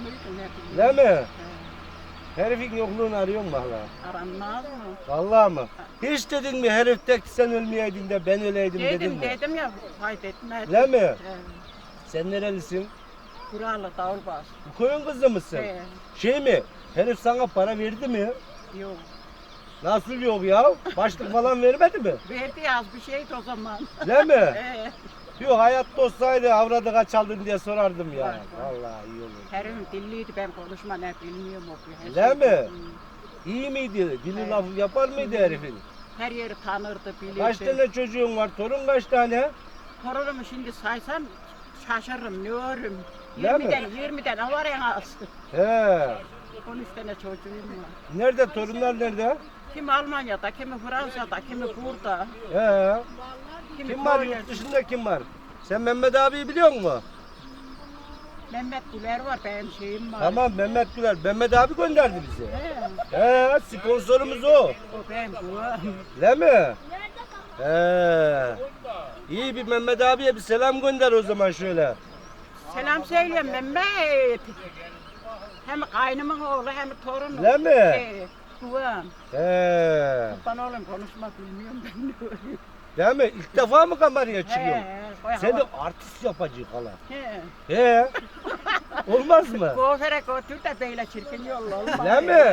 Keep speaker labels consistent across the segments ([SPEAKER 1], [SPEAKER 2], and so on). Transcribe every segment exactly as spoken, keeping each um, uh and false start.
[SPEAKER 1] yokluydun hep.
[SPEAKER 2] Değil mi?
[SPEAKER 1] He.
[SPEAKER 2] Herifin yokluğunu arıyor mu hala?
[SPEAKER 1] Aranmaz mı?
[SPEAKER 2] Vallahi mı? Hiç dedin mi herif tek sen ölmeyeydin de ben öleydim dedin
[SPEAKER 1] Dedim
[SPEAKER 2] mi?
[SPEAKER 1] dedim ya fayda etmez.
[SPEAKER 2] Değil mi?
[SPEAKER 1] He.
[SPEAKER 2] Sen nerelisin?
[SPEAKER 1] Kuralı davulbaş.
[SPEAKER 2] Bu koyun kızı mısın?
[SPEAKER 1] He.
[SPEAKER 2] Şey mi? Herif sana para verdi mi?
[SPEAKER 1] Yok.
[SPEAKER 2] Nasıl yok ya? Başlık falan vermedi mi?
[SPEAKER 1] Verdi az bir şeydi o zaman.
[SPEAKER 2] Değil mi?
[SPEAKER 1] He.
[SPEAKER 2] Yok hayatta olsaydı avradı kaç aldın diye sorardım ya.
[SPEAKER 1] Var, var.
[SPEAKER 2] Vallahi iyi olur.
[SPEAKER 1] Herifim dilliydi ben konuşma ne bilmiyorum okuyor.
[SPEAKER 2] Değil mi?
[SPEAKER 1] Hı.
[SPEAKER 2] İyi miydi? Dili
[SPEAKER 1] Evet.
[SPEAKER 2] lafı yapar mıydı herifin?
[SPEAKER 1] Her yeri tanırdı, bilirdi.
[SPEAKER 2] Kaç tane çocuğun var? Torun kaç tane?
[SPEAKER 1] Torunumu şimdi saysam şaşırırım, ne örüm.
[SPEAKER 2] Değil mi?
[SPEAKER 1] yirmiden, yirmiden var en az.
[SPEAKER 2] He.
[SPEAKER 1] on üç tane çocuğum var.
[SPEAKER 2] Nerede? Torunlar nerede?
[SPEAKER 1] Kimi Almanya'da, kimi Fransa'da, kimi burada.
[SPEAKER 2] He.
[SPEAKER 1] Kimi
[SPEAKER 2] Kim var
[SPEAKER 1] Konya'da.
[SPEAKER 2] yurt dışında kim var? Sen Mehmet abiyi biliyor musun?
[SPEAKER 1] Mehmet Güler var, benim şeyim var.
[SPEAKER 2] Tamam Mehmet Güler. Mehmet abi gönderdi bizi.
[SPEAKER 1] He,
[SPEAKER 2] He sponsorumuz o.
[SPEAKER 1] o benim babam.
[SPEAKER 2] Değil mi? He. İyi bir Mehmet abiye bir selam gönder o zaman şöyle.
[SPEAKER 1] Selam söyleyeyim Mehmet. Hem kaynımın oğlu hem torunum.
[SPEAKER 2] Değil mi?
[SPEAKER 1] He, babam.
[SPEAKER 2] He.
[SPEAKER 1] Ben oğlum konuşmak bilmiyorum ben de öyle.
[SPEAKER 2] Değil mi? İlk defa mı kameraya çıkıyorsun?
[SPEAKER 1] He, koy
[SPEAKER 2] Seni
[SPEAKER 1] hava-
[SPEAKER 2] artist yapacak hala.
[SPEAKER 1] He.
[SPEAKER 2] He. Olmaz mı?
[SPEAKER 1] Kuaföre götür de böyle çirkin yolla olmaz.
[SPEAKER 2] Değil mi?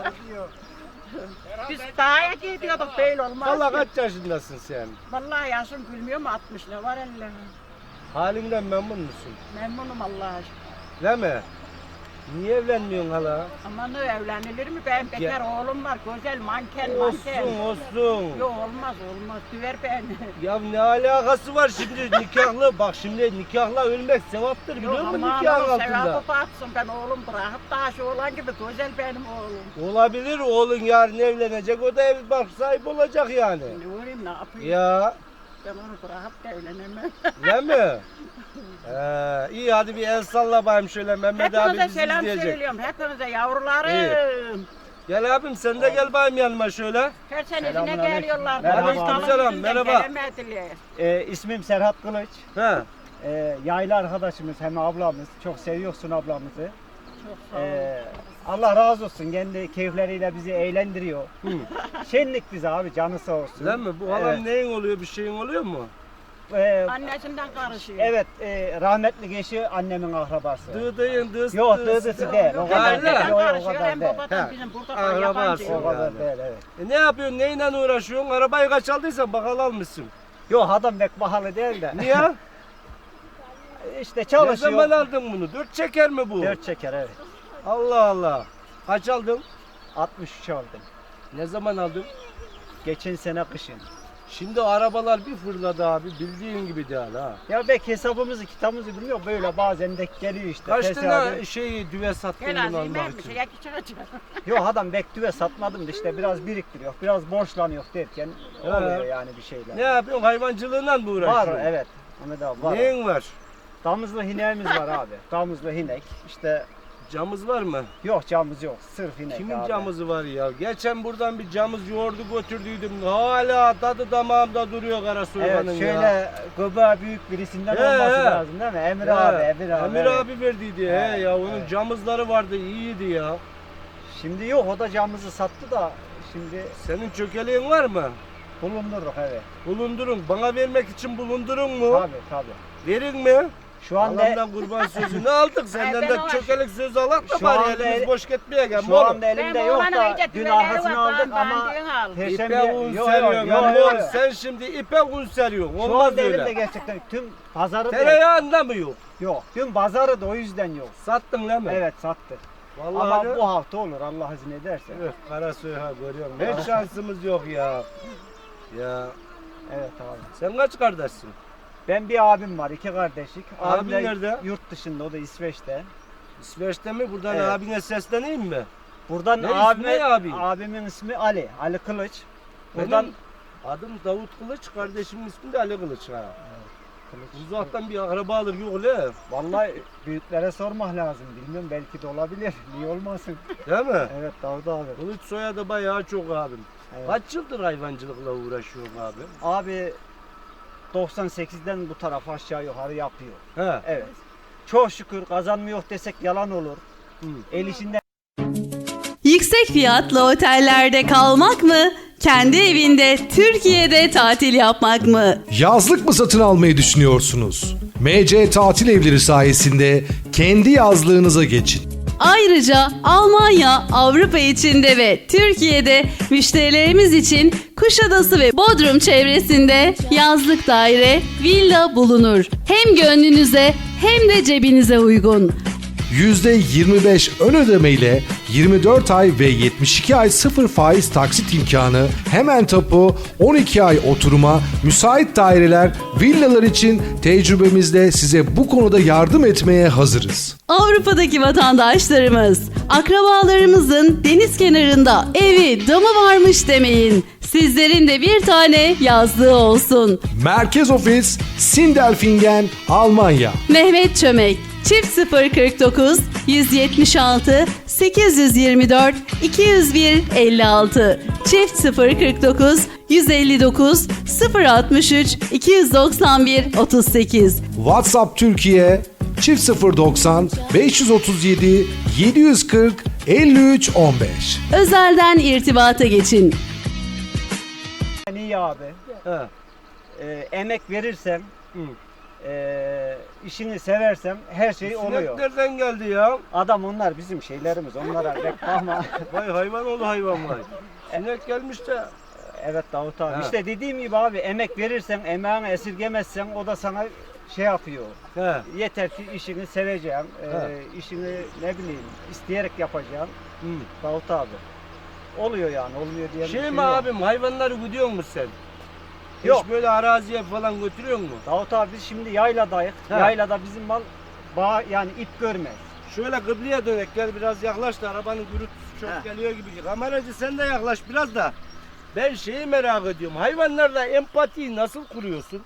[SPEAKER 1] Biz dağa gidiyorduk böyle olmaz.
[SPEAKER 2] Valla
[SPEAKER 1] ki.
[SPEAKER 2] kaç yaşındasın sen?
[SPEAKER 1] Vallahi yaşım bilmiyorum altmış ne var elle.
[SPEAKER 2] Halinden memnun musun?
[SPEAKER 1] Memnunum Allah'a şükür.
[SPEAKER 2] Değil mi? Niye evlenmiyorsun hala?
[SPEAKER 1] Ama ne evlenilir mi? Benim bekar oğlum var. Güzel manken
[SPEAKER 2] Olsun
[SPEAKER 1] manken.
[SPEAKER 2] olsun.
[SPEAKER 1] Yok olmaz olmaz. Düver beni.
[SPEAKER 2] Ya ne alakası var şimdi nikahlı? Bak şimdi nikahla ölmek sevaptır biliyor
[SPEAKER 1] Yok
[SPEAKER 2] musun
[SPEAKER 1] aman
[SPEAKER 2] nikahın
[SPEAKER 1] onun
[SPEAKER 2] altında?
[SPEAKER 1] sevabı batsın. Ben oğlum bırakıp daha şu olan gibi güzel benim oğlum.
[SPEAKER 2] Olabilir oğlun yarın evlenecek o da ev bak sahibi olacak yani.
[SPEAKER 1] Ne uğrayayım ne yapayım?
[SPEAKER 2] Ya
[SPEAKER 1] Ben onu bırakıp da evlenemem.
[SPEAKER 2] değil mi? Ee, iyi hadi bir el salla bakayım şöyle Mehmet abi
[SPEAKER 1] Hepinize
[SPEAKER 2] bizi
[SPEAKER 1] selam
[SPEAKER 2] izleyecek.
[SPEAKER 1] söylüyorum. Hepinize yavrularım.
[SPEAKER 2] Gel abim sen de gel bakayım yanıma şöyle.
[SPEAKER 1] Her sene yine
[SPEAKER 3] Selamünaleyküm.
[SPEAKER 1] geliyorlar.
[SPEAKER 3] Merhaba.
[SPEAKER 2] Aleykümselam,
[SPEAKER 1] Alın yüzünden
[SPEAKER 2] merhaba.
[SPEAKER 1] gelemediler.
[SPEAKER 3] Ee, ismim Serhat Kılıç.
[SPEAKER 2] He.
[SPEAKER 3] Ee, yaylı arkadaşımız hem ablamız. Çok seviyorsun ablamızı.
[SPEAKER 1] Çok sağ olun.
[SPEAKER 3] Ee, Allah razı olsun. Kendi keyifleriyle bizi eğlendiriyor. Şenlik bize abi canı sağ olsun.
[SPEAKER 2] Değil mi? Bu halam
[SPEAKER 3] Evet.
[SPEAKER 2] neyin oluyor bir şeyin oluyor mu?
[SPEAKER 3] Ee,
[SPEAKER 1] Annesinden karışıyor.
[SPEAKER 3] evet e, rahmetli eşi annemin akrabası.
[SPEAKER 2] Dıdıyın dıs
[SPEAKER 3] Yok
[SPEAKER 2] dıs.
[SPEAKER 3] dıdısı değil. O
[SPEAKER 1] Hem
[SPEAKER 3] kadar
[SPEAKER 2] Öyle.
[SPEAKER 3] değil.
[SPEAKER 1] anneden
[SPEAKER 3] Yok, yok, o
[SPEAKER 1] karışıyor
[SPEAKER 3] kadar
[SPEAKER 1] hem
[SPEAKER 3] değil.
[SPEAKER 1] babadan
[SPEAKER 2] He.
[SPEAKER 1] bizim burada
[SPEAKER 2] Akrabası.
[SPEAKER 1] yabancı.
[SPEAKER 3] O kadar değil evet.
[SPEAKER 2] E ne yapıyorsun? Neyle uğraşıyorsun? Arabayı kaç aldıysan bakalım almışsın.
[SPEAKER 3] Yok adam pek pahalı değil de.
[SPEAKER 2] Niye?
[SPEAKER 3] İşte
[SPEAKER 2] Ne
[SPEAKER 3] çalışıyor.
[SPEAKER 2] zaman aldın bunu? Dört çeker mi bu?
[SPEAKER 3] Dört çeker evet.
[SPEAKER 2] Allah Allah. Kaç aldın?
[SPEAKER 3] altmış üç aldım.
[SPEAKER 2] Ne zaman aldın?
[SPEAKER 3] Geçen sene kışın.
[SPEAKER 2] Şimdi arabalar bir fırladı abi. Bildiğin gibi değil ha.
[SPEAKER 3] Ya belki hesabımızı kitabımızı bilmiyor böyle bazen de geliyor işte.
[SPEAKER 2] Kaç
[SPEAKER 3] tesadüf.
[SPEAKER 2] tane şeyi düve sattın
[SPEAKER 1] Gel
[SPEAKER 2] bunu
[SPEAKER 1] azim
[SPEAKER 2] almak
[SPEAKER 1] ben bir
[SPEAKER 2] için?
[SPEAKER 1] şey yakı çıkacak.
[SPEAKER 3] Yok adam bektüve satmadım da işte biraz biriktiriyor, biraz borçlanıyor derken
[SPEAKER 2] He.
[SPEAKER 3] oluyor yani bir şeyler.
[SPEAKER 2] Ne yapıyorsun? Hayvancılığıyla mı uğraşıyorsun?
[SPEAKER 3] Var evet. Ahmet abi var.
[SPEAKER 2] Neyin var?
[SPEAKER 3] Damızlı hineğimiz var abi. Damızlı hinek. İşte
[SPEAKER 2] Camız var mı?
[SPEAKER 3] yok camız yok. Sırf hinek
[SPEAKER 2] Kimin
[SPEAKER 3] abi.
[SPEAKER 2] camızı var ya? Geçen buradan bir camız yoğurdu götürdüydüm. Hala tadı damağımda duruyor kara soğanın
[SPEAKER 3] Evet
[SPEAKER 2] ya.
[SPEAKER 3] şöyle göbeği büyük birisinden
[SPEAKER 2] He,
[SPEAKER 3] olması
[SPEAKER 2] he.
[SPEAKER 3] lazım değil mi? Emir
[SPEAKER 2] He,
[SPEAKER 3] abi, Emir abi.
[SPEAKER 2] Emir
[SPEAKER 3] evet.
[SPEAKER 2] abi verdiydi he,
[SPEAKER 3] Evet,
[SPEAKER 2] ya onun
[SPEAKER 3] evet.
[SPEAKER 2] camızları vardı iyiydi ya.
[SPEAKER 3] Şimdi yok o da camımızı sattı da şimdi
[SPEAKER 2] Senin çökeleğin var mı?
[SPEAKER 3] bulundurduk evet.
[SPEAKER 2] Bulundurun. Bana vermek için bulundurun mu?
[SPEAKER 3] Tabii tabii.
[SPEAKER 2] Verin mi?
[SPEAKER 3] Şu anda
[SPEAKER 2] Allah'ımdan kurban sözünü aldık. Senden
[SPEAKER 1] ben
[SPEAKER 2] de
[SPEAKER 1] o-
[SPEAKER 2] çökelik söz alak da
[SPEAKER 3] Şu
[SPEAKER 2] bari
[SPEAKER 3] anda
[SPEAKER 2] elimiz
[SPEAKER 3] el-
[SPEAKER 2] boş gitmeye gel.
[SPEAKER 3] şu anda elimde
[SPEAKER 1] Ben
[SPEAKER 3] yok
[SPEAKER 1] oğlanın
[SPEAKER 3] da
[SPEAKER 1] önce
[SPEAKER 3] dün
[SPEAKER 1] düveleri
[SPEAKER 3] arkasını
[SPEAKER 1] var,
[SPEAKER 3] aldık
[SPEAKER 1] daha
[SPEAKER 3] ama
[SPEAKER 1] bandığını al.
[SPEAKER 3] Perşembe
[SPEAKER 2] İpe un
[SPEAKER 3] yok,
[SPEAKER 2] seriyorsun.
[SPEAKER 3] yok,
[SPEAKER 2] Lan
[SPEAKER 3] yok,
[SPEAKER 2] oğlum,
[SPEAKER 3] yok.
[SPEAKER 2] sen şimdi ipe un seriyorsun.
[SPEAKER 3] Şu
[SPEAKER 2] Olmaz
[SPEAKER 3] anda elimde
[SPEAKER 2] öyle.
[SPEAKER 3] gerçekten tüm pazarı da
[SPEAKER 2] Tereyağında mı yok?
[SPEAKER 3] yok. Tüm pazarı da o yüzden yok.
[SPEAKER 2] Sattın değil mi?
[SPEAKER 3] Evet sattı.
[SPEAKER 2] Vallahi
[SPEAKER 3] Ama
[SPEAKER 2] de-
[SPEAKER 3] bu hafta olur Allah izin ederse.
[SPEAKER 2] Öf, kara söha görüyorum. Hiç şansımız yok ya. Ya
[SPEAKER 3] Evet abi.
[SPEAKER 2] sen kaç kardeşsin?
[SPEAKER 3] Ben bir abim var, iki kardeşlik.
[SPEAKER 2] Abin
[SPEAKER 3] Abim de
[SPEAKER 2] nerede?
[SPEAKER 3] Yurt dışında, o da İsveç'te.
[SPEAKER 2] İsveç'te mi? Buradan
[SPEAKER 3] Evet.
[SPEAKER 2] abine sesleneyim mi?
[SPEAKER 3] Buradan
[SPEAKER 2] Ne ismi
[SPEAKER 3] abime,
[SPEAKER 2] ne abin?
[SPEAKER 3] abimin ismi Ali, Ali Kılıç. Buradan
[SPEAKER 2] Benim adım Davut Kılıç, kardeşimin ismi de Ali Kılıç ha.
[SPEAKER 3] Kılıç.
[SPEAKER 2] Uzaktan bir akrabalık yok le.
[SPEAKER 3] Vallahi büyüklere sormak lazım. Bilmiyorum belki de olabilir. Niye olmasın?
[SPEAKER 2] Değil mi?
[SPEAKER 3] Evet Davut abi.
[SPEAKER 2] Kılıç soyadı bayağı çok abim.
[SPEAKER 3] Evet.
[SPEAKER 2] Kaç yıldır hayvancılıkla uğraşıyorum abi?
[SPEAKER 3] Abi doksan sekizden bu tarafa aşağı yukarı yapıyor.
[SPEAKER 2] He.
[SPEAKER 3] Evet. Çok şükür kazanmıyor desek yalan olur. El işinden
[SPEAKER 4] Yüksek fiyatlı otellerde kalmak mı? Kendi evinde Türkiye'de tatil yapmak mı?
[SPEAKER 5] Yazlık mı satın almayı düşünüyorsunuz? M C Tatil Evleri sayesinde kendi yazlığınıza geçin.
[SPEAKER 4] Ayrıca Almanya, Avrupa içinde ve Türkiye'de müşterilerimiz için Kuşadası ve Bodrum çevresinde yazlık daire, villa bulunur. Hem gönlünüze hem de cebinize uygun.
[SPEAKER 5] yüzde yirmi beş ön ödeme ile yirmi dört ay ve yetmiş iki ay sıfır faiz taksit imkanı, hemen tapu, on iki ay oturuma, müsait daireler, villalar için tecrübemizle size bu konuda yardım etmeye hazırız.
[SPEAKER 4] Avrupa'daki vatandaşlarımız, akrabalarımızın deniz kenarında evi, damı varmış demeyin. Sizlerin de bir tane yazlığı olsun.
[SPEAKER 5] Merkez ofis Sindelfingen, Almanya.
[SPEAKER 4] Mehmet Çömek, çift sıfır kırk dokuz yüz yetmiş altı sekiz yüz yirmi dört iki yüz bir elli altı, çift sıfır kırk dokuz yüz elli dokuz sıfır altmış üç iki yüz doksan bir otuz sekiz.
[SPEAKER 5] WhatsApp Türkiye çift sıfır doksan beş yüz otuz yedi yedi yüz kırk elli üç on beş.
[SPEAKER 4] Özelden irtibata geçin.
[SPEAKER 3] iyi abi.
[SPEAKER 2] He.
[SPEAKER 3] Ee, emek verirsem, e, işini seversem her şey oluyor.
[SPEAKER 2] Sinek nereden geldi ya?
[SPEAKER 3] Adam onlar bizim şeylerimiz. Onlara pek bakma.
[SPEAKER 2] Vay hayvan oğlu hayvan vay. Sinek gelmiş de.
[SPEAKER 3] Evet Davut abi.
[SPEAKER 2] Ha.
[SPEAKER 3] İşte dediğim gibi abi emek verirsen, emeğini esirgemezsen o da sana şey yapıyor.
[SPEAKER 2] He.
[SPEAKER 3] Yeter ki işini seveceksin,
[SPEAKER 2] Ha.
[SPEAKER 3] e, işini ne bileyim isteyerek yapacaksın.
[SPEAKER 2] Hı.
[SPEAKER 3] Davut abi. Oluyor yani, olmuyor diye bir
[SPEAKER 2] Şey
[SPEAKER 3] şey
[SPEAKER 2] mi
[SPEAKER 3] yok.
[SPEAKER 2] abim, hayvanları gidiyor musun sen?
[SPEAKER 3] Yok.
[SPEAKER 2] Hiç böyle araziye falan götürüyor musun?
[SPEAKER 3] Davut abi biz şimdi yayladayız.
[SPEAKER 2] Ha.
[SPEAKER 3] Yaylada bizim mal bağ yani ip görmez.
[SPEAKER 2] Şöyle kıbleye dönek, gel biraz yaklaş da arabanın gürültüsü çok
[SPEAKER 3] Ha.
[SPEAKER 2] geliyor gibi. Kameracı sen de yaklaş biraz da. Ben şeyi merak ediyorum, hayvanlarla empatiyi nasıl kuruyorsun?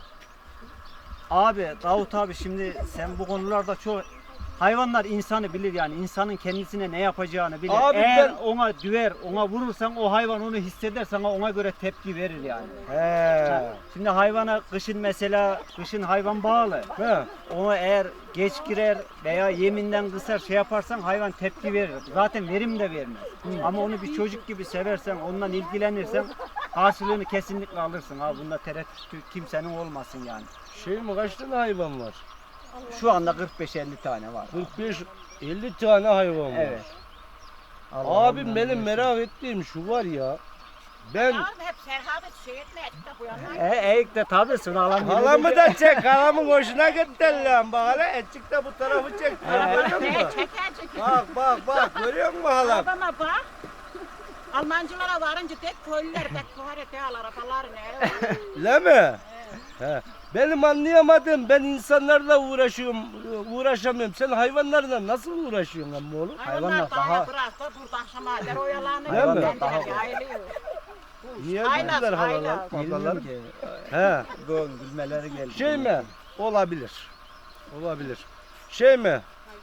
[SPEAKER 3] Abi Davut abi şimdi sen bu konularda çok hayvanlar insanı bilir yani insanın kendisine ne yapacağını bilir.
[SPEAKER 2] Abi
[SPEAKER 3] Eğer
[SPEAKER 2] ben-
[SPEAKER 3] ona düver, ona vurursan o hayvan onu hisseder sana ona göre tepki verir yani.
[SPEAKER 2] He.
[SPEAKER 3] Şimdi hayvana kışın mesela kışın hayvan bağlı.
[SPEAKER 2] He.
[SPEAKER 3] Ona eğer geç girer veya yeminden kısar şey yaparsan hayvan tepki verir. Zaten verim de vermez. Ama onu bir çocuk gibi seversen, ondan ilgilenirsen karşılığını kesinlikle alırsın. Ha bunda tereddüt kimsenin olmasın yani.
[SPEAKER 2] Şey mi, kaç tane hayvan var?
[SPEAKER 3] Şu anda kırk beş elli tane var.
[SPEAKER 2] kırk beş elli tane hayvan var.
[SPEAKER 3] Evet. Allah
[SPEAKER 2] Abim
[SPEAKER 3] ondan
[SPEAKER 2] benim
[SPEAKER 3] versin.
[SPEAKER 2] merak ettiğim şu var ya. Ben
[SPEAKER 1] Yavrum hep serhabet şey etmedik de bu yana.
[SPEAKER 3] E, eğik de tabii sınalan
[SPEAKER 2] halamı da çek, halamın hoşuna gitti lan bak hele, etçik de bu tarafı çek. Görüyor
[SPEAKER 1] Ne
[SPEAKER 2] musun?
[SPEAKER 1] çeker çeker.
[SPEAKER 2] Bak bak bak, görüyor musun halam?
[SPEAKER 1] Adama bak. Almancılara varınca tek köylüler tek tuharete al arabalar ne?
[SPEAKER 2] Değil mi? He. Benim anlayamadım, ben insanlarla uğraşıyorum, uğraşamıyorum. Sen hayvanlarla nasıl uğraşıyorsun amma oğlum?
[SPEAKER 1] Hayvanlar
[SPEAKER 3] Hayvanlar
[SPEAKER 1] daha
[SPEAKER 3] daha-
[SPEAKER 1] bıraktı burada akşama kadar oyalanıyor.
[SPEAKER 2] Değil mi?
[SPEAKER 1] Kendileri yayılıyor.
[SPEAKER 2] Niye
[SPEAKER 1] Haylaz,
[SPEAKER 2] güldüler halalar?
[SPEAKER 1] haylaz.
[SPEAKER 2] Babalar?
[SPEAKER 3] Bilmiyorum ki.
[SPEAKER 2] He.
[SPEAKER 3] Gön gülmeleri geldi.
[SPEAKER 2] Şey mi? Olabilir. Olabilir. Şey mi?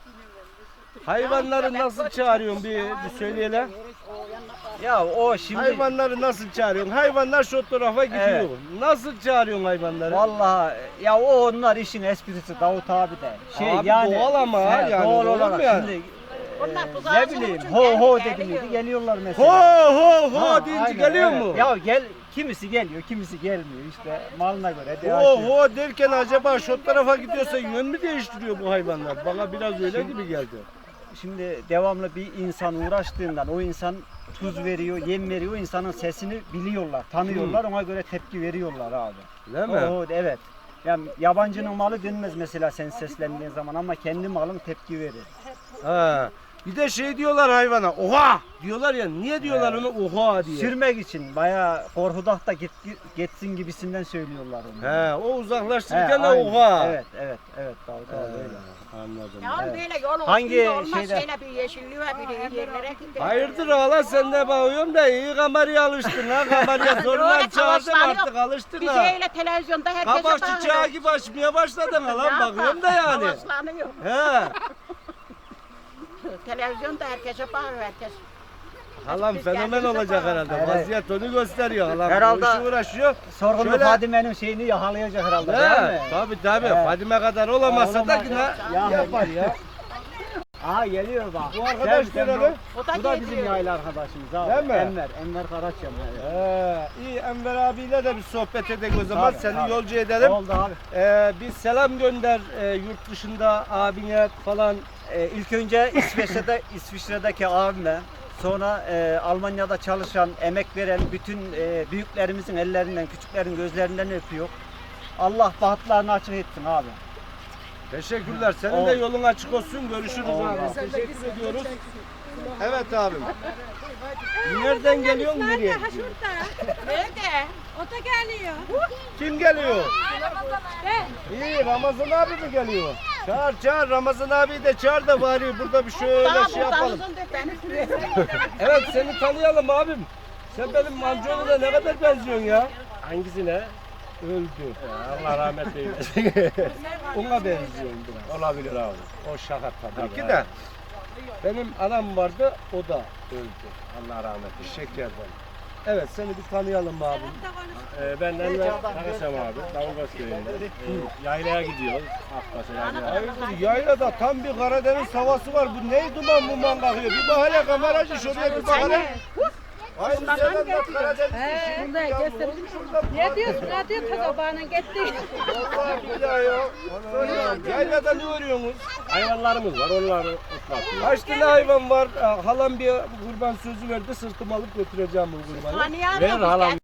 [SPEAKER 2] Hayvanları nasıl çağırıyorsun bir, bir söyleyelim.
[SPEAKER 3] Ya o şimdi
[SPEAKER 2] Hayvanları nasıl çağırıyorsun? Hayvanlar şu tarafa gidiyor.
[SPEAKER 3] Evet.
[SPEAKER 2] Nasıl çağırıyorsun hayvanları?
[SPEAKER 3] vallahi ya o onlar işin esprisi Davut abi de. Şey
[SPEAKER 2] Abi
[SPEAKER 3] yani
[SPEAKER 2] doğal ama
[SPEAKER 3] he,
[SPEAKER 2] yani,
[SPEAKER 3] doğal
[SPEAKER 2] doğru
[SPEAKER 3] olarak
[SPEAKER 2] mu yani?
[SPEAKER 3] şimdi
[SPEAKER 1] Onlar
[SPEAKER 3] e,
[SPEAKER 1] tuzağı
[SPEAKER 3] ne
[SPEAKER 1] bulmak
[SPEAKER 3] bileyim
[SPEAKER 1] için
[SPEAKER 3] ho ho
[SPEAKER 1] geldi,
[SPEAKER 3] dedi
[SPEAKER 1] geliyor.
[SPEAKER 3] miydi geliyorlar
[SPEAKER 2] Ho
[SPEAKER 3] mesela.
[SPEAKER 2] ho ho
[SPEAKER 3] Ha,
[SPEAKER 2] deyince
[SPEAKER 3] aynen,
[SPEAKER 2] geliyor
[SPEAKER 3] evet.
[SPEAKER 2] mu?
[SPEAKER 3] Ya gel kimisi geliyor kimisi gelmiyor işte malına göre
[SPEAKER 2] Ho
[SPEAKER 3] değişiyor.
[SPEAKER 2] ho derken acaba şu tarafa gidiyorsa yön mü değiştiriyor bu hayvanlar? Bana biraz öyle gibi geldi.
[SPEAKER 3] Şimdi devamlı bir insan uğraştığından o insan tuz veriyor, yem veriyor, o insanın sesini biliyorlar, tanıyorlar, ona göre tepki veriyorlar abi.
[SPEAKER 2] Değil mi?
[SPEAKER 3] O, evet. Yani yabancının malı denmez mesela sen seslendiğin zaman ama kendi malın tepki verir.
[SPEAKER 2] Ha. Bir de şey diyorlar hayvana, oha diyorlar ya, niye diyorlar onu oha diye?
[SPEAKER 3] Sürmek için bayağı korkudak da git, gitsin gibisinden söylüyorlar onu.
[SPEAKER 2] He, o
[SPEAKER 3] He,
[SPEAKER 2] uzaklaştırırken de
[SPEAKER 3] aynen.
[SPEAKER 2] oha.
[SPEAKER 3] Evet, evet, evet. Davut abi öyle.
[SPEAKER 2] Anladım.
[SPEAKER 1] Ya
[SPEAKER 3] Evet.
[SPEAKER 1] böyle yol
[SPEAKER 3] Hangi
[SPEAKER 1] üstünde olmaz
[SPEAKER 3] şeyde-
[SPEAKER 1] şöyle bir yeşilliğe bir yerlere gidiyor.
[SPEAKER 2] Hayırdır hala, sen de bakıyorum da iyi kameraya alıştın ha. Kameraya zorla
[SPEAKER 1] Öyle
[SPEAKER 2] çağırdın
[SPEAKER 1] tavaşlar
[SPEAKER 2] artık,
[SPEAKER 1] yok.
[SPEAKER 2] alıştın
[SPEAKER 1] Biz
[SPEAKER 2] ha.
[SPEAKER 1] öyle televizyonda herkese
[SPEAKER 2] Kabak çiçeği gibi açmaya başladın ha lan, bakıyorum da yani.
[SPEAKER 1] Tavaşlanıyor.
[SPEAKER 2] He.
[SPEAKER 1] Televizyonda herkese bakıyor herkes.
[SPEAKER 2] Halam fenomen olacak herhalde.
[SPEAKER 3] Evet.
[SPEAKER 2] Vaziyet onu gösteriyor. Halam
[SPEAKER 3] Herhalde-
[SPEAKER 2] bu işi uğraşıyor.
[SPEAKER 3] Sorgunlu
[SPEAKER 2] Şöyle-
[SPEAKER 3] Fadime'nin şeyini yakalayacak herhalde
[SPEAKER 2] He,
[SPEAKER 3] değil mi?
[SPEAKER 2] tabii tabii.
[SPEAKER 3] Evet.
[SPEAKER 2] Fadime kadar olamazsa da
[SPEAKER 3] Olamaz.
[SPEAKER 2] yine
[SPEAKER 3] Ya-
[SPEAKER 2] yapar ya.
[SPEAKER 3] Aha geliyor bak.
[SPEAKER 2] Bu arkadaş
[SPEAKER 3] Sen- sen
[SPEAKER 2] nereli?
[SPEAKER 1] O da
[SPEAKER 3] Bu da bizim
[SPEAKER 1] geliyor.
[SPEAKER 3] yayla arkadaşımız abi.
[SPEAKER 2] Değil mi?
[SPEAKER 3] Enver, Enver Karaçam. Evet.
[SPEAKER 2] Ee, iyi Enver abiyle de bir sohbet edelim o zaman.
[SPEAKER 3] Tabii,
[SPEAKER 2] Seni
[SPEAKER 3] tabii.
[SPEAKER 2] yolcu edelim.
[SPEAKER 3] Oldu abi.
[SPEAKER 2] Ee, bir selam gönder e, yurt dışında abine falan.
[SPEAKER 3] Ee, ilk önce İsveç'te İsviçre'deki abime, sonra e, Almanya'da çalışan, emek veren bütün e, büyüklerimizin ellerinden, küçüklerin gözlerinden öpüyor. Allah bahtlarını açık etsin abi.
[SPEAKER 2] Teşekkürler. Senin
[SPEAKER 3] Oldu.
[SPEAKER 2] de yolun açık olsun. Görüşürüz
[SPEAKER 3] Oldu.
[SPEAKER 2] abi. Teşekkür ediyoruz. Evet abim. Nereden geliyorsun nereye gidiyorsun?
[SPEAKER 1] Nerede?
[SPEAKER 6] O da geliyor.
[SPEAKER 2] Kim geliyor?
[SPEAKER 6] Ben.
[SPEAKER 2] İyi Ramazan abi mi geliyor? Çağır çağır Ramazan abi de çağır da bari burada bir şöyle
[SPEAKER 1] Daha
[SPEAKER 2] şey
[SPEAKER 1] buradan
[SPEAKER 2] yapalım.
[SPEAKER 1] uzun de beni sürüyor.
[SPEAKER 2] Evet seni tanıyalım abim. Sen benim amcama da ne kadar benziyorsun ya?
[SPEAKER 7] Hangisine?
[SPEAKER 2] Öldü.
[SPEAKER 7] Allah rahmet eylesin.
[SPEAKER 2] Ona benziyorsun biraz.
[SPEAKER 7] Olabilir abi.
[SPEAKER 2] O şaka tabii
[SPEAKER 7] Tabii,
[SPEAKER 2] ki de. Benim anam vardı o da öldü.
[SPEAKER 7] Allah rahmet eylesin.
[SPEAKER 2] Şekerden. Evet seni bir tanıyalım abim.
[SPEAKER 7] Ee, ben Enver Karasam abi. Davulbaş köyünde. Ee, yaylaya gidiyoruz. Akbaş'a yaylaya.
[SPEAKER 2] Hayırdır yaylada tam bir Karadeniz havası var. Bu ne duman muman kalkıyor. Bir bak hele kameracı şuraya bir bak hele. Aynı yerden de Karadeniz işi.
[SPEAKER 6] Bunda gösterdim. Ne diyorsun? Ne diyor kazabağının gitti?
[SPEAKER 2] Vallahi billahi ya. Yaylada ne örüyorsunuz?
[SPEAKER 7] Hayvanlarımız var. Onları otlatıyoruz.
[SPEAKER 2] Kaç tane hayvan var? Halam bir kurban sözü verdi. Sırtıma alıp götüreceğim bu kurbanı.
[SPEAKER 1] Tanıyamam.
[SPEAKER 7] Ver halam.